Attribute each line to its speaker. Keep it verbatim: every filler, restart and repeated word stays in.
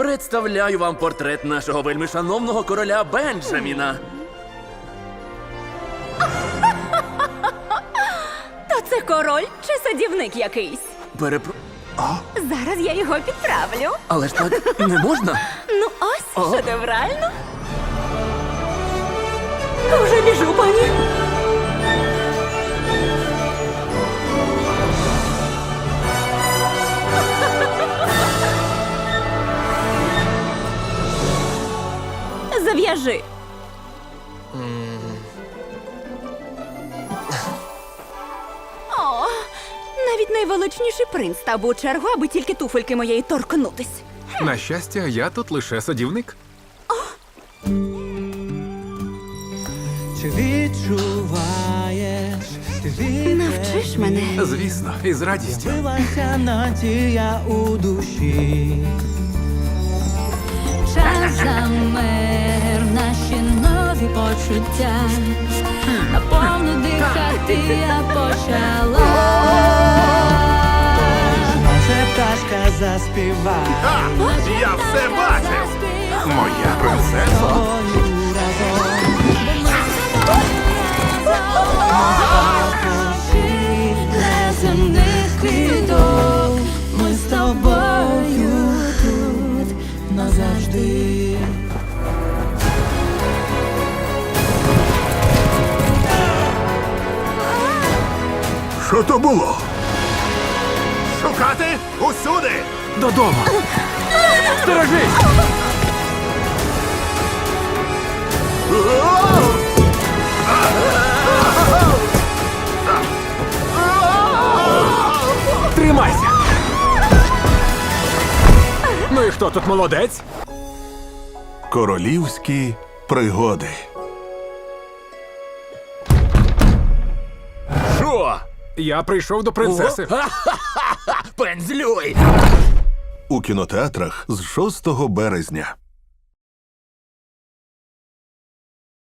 Speaker 1: Представляю вам портрет нашого вельмишановного короля Бенджаміна.
Speaker 2: То це король чи садівник якийсь?
Speaker 1: Перепро...
Speaker 2: Зараз я його підправлю.
Speaker 1: Але ж так не можна.
Speaker 2: Ну ось,
Speaker 1: О.
Speaker 2: шедеврально. Вже біжу, пані. Зав'яжи. О, навіть найвеличніший принц став би у чергу, аби тільки туфельки моєї торкнутись.
Speaker 3: На щастя, я тут лише садівник.
Speaker 4: Чи відчуваєш, ти
Speaker 2: Навчиш мене.
Speaker 3: Звісно, і з радістю.
Speaker 4: З'явилася надія у душі.
Speaker 5: Час замер, наші нові почуття. Наповну дихати я почала.
Speaker 4: Може пташка заспіває
Speaker 3: Я все бачив! Моя принцеса.
Speaker 4: тобою разом.
Speaker 5: Неземних квіток, ми з тобою тут назавжди.
Speaker 3: Що то було? Шукати усюди! Додому! Сторожись! Тримайся! Ну і хто тут молодець?
Speaker 6: Королівські пригоди.
Speaker 1: Що?
Speaker 3: Я прийшов до принцеси.
Speaker 1: Пензлюй!
Speaker 6: У кінотеатрах з шостого березня.